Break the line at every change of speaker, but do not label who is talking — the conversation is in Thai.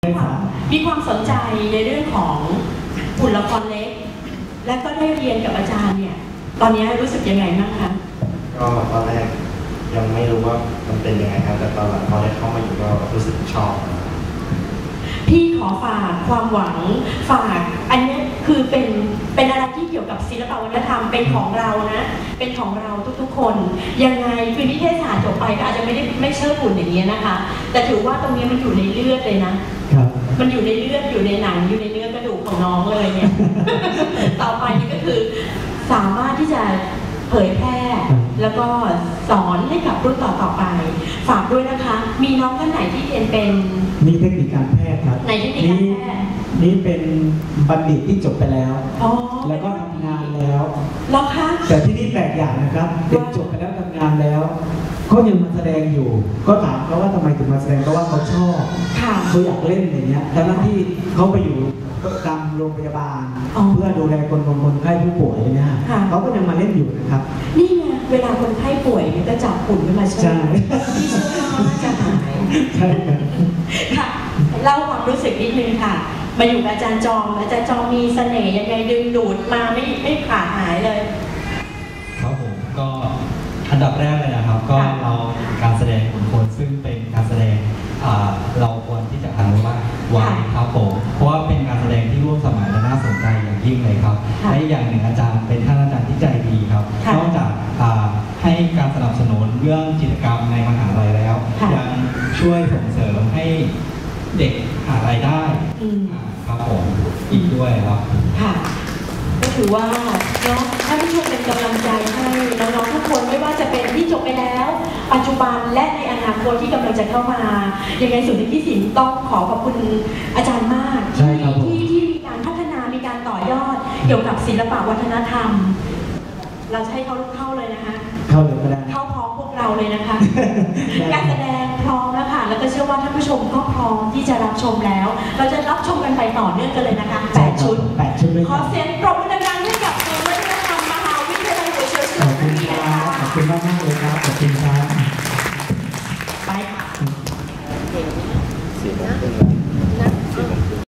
มีความสนใจในเรื่องของหุ่นละครเล็กและก็ได้เรียนกับอาจารย์เนี่ยตอนนี้รู้สึกยังไงบ้างคะ
ก็ตอนแรกยังไม่รู้ว่ามันเป็นยังไงครับแต่ตอนหลังพอได้เข้ามาอยู่ก็รู้สึกชอบ
พี่ขอฝากความหวังฝากอันนี้คือเป็นอะไรที่เกี่ยวกับศิลปวัฒนธรรมเป็นของเรานะเป็นของเราทุกๆคนยังไงคือนิเทศศาสตร์จบไปก็อาจจะไม่เชิดหุ่นอย่างนี้นะคะแต่ถือว่าตรงนี้มันอยู่ในเลือดเลยนะมันอยู่ในเลือดอยู่ในหนังอยู่ในเนื้อกระดูกของน้องเลยเนี่ย ต่อไปนี่ก็คือสามารถที่จะเผยแพร่แล้วก็สอนให้กับรุ่นต่อไปฝากด้วยนะคะมีน้องท่านไหนที่เรียนเป็น
มีเทคนิคการแพทย์ครับ
ในเทคนิคการแพทย์
นี่เป็นบัณฑิตที่จบไปแล้วแล้วก็ทำงานแล้ว
แล้วคะ
แต่ที่นี่แปลกอย่างนะครับเด็กจบไปแล้วทำงานแล้วก็ยังมาแสดงอยู่ก็ถามเขาว่าทำไมถึงมาแสดงเพราะว่าเขาชอบเขาอยากเล่นอย่างเงี้ยทั้งที่เขาไปอยู่ตามโรงพยาบาลเพื่อดูแลคนไข้ผู้ป่วยเนี่ยเขาก็ยังมาเล่นอยู่นะครับ
นี่ไงเวลาคนไข้ป่วยจะจับหุ่นขึ้นมาใช่ที่ช่วยเขาจะหาย
ใช่
ค่ะเล่าความรู้สึกนิดนึงค่ะมาอยู่กับอาจารย์จอมมีเสน่ห์ยังไงดึงดูดมาไม่ขาดหายเลย
ครับผมก็อันดับแรกเลยนะครับก็เราการแสดงของคนซึ่งเป็นการแสดงเราควรที่จะอนุรักษ์ไว้ครับผมเพราะว่าเป็นการแสดงที่ร่วมสมัยและน่าสนใจอย่างยิ่งเลยครับและอย่างหนึ่งอาจารย์เป็นท่านอาจารย์ที่ใจดีครับนอกจากให้การสนับสนุนเรื่องกิจกรรมในมหาลัยแล้วยังช่วยส่งเสริมให้เด็กหารายได้ครับผมอีกด้วยครับ
ค่ะก็ถือว่าเนาะท่านผู้ชมเป็นกำลังใจให้น้องๆทุกคนไม่ว่าจะเป็นที่จบไปแล้วปัจจุบันและในอนาคตที่กำลังจะเข้ามายังไงศูนย์ที่ศิลป์ต้องขอขอบคุณอาจารย์มากที่มีการพัฒนามีการต่อยอดเกี่ยวกับศิลปวัฒนธรรมเราจะให้เขาเข้าเลยนะคะ
เข้าเลยก็ได้
เข้าพร้อมพวกเราเลยนะคะ การแสดงพร้อมแล้วค่ะแล้วก็เชื่อว่าท่านผู้ชมก็พร้อมที่จะรับชมแล้วเราจะรับชมกันไปต่อเนื่องกันเลยนะคะ8 ชุดขอเสียงปรบมือดังๆให้กับศูนย์วัฒนธรรมมหาวิทยาลัยหัวเฉียวเฉลิมพระเกียรติค่ะ
ขอบคุณมากๆเลยครับขอบคุณครับ
ไปค่ะ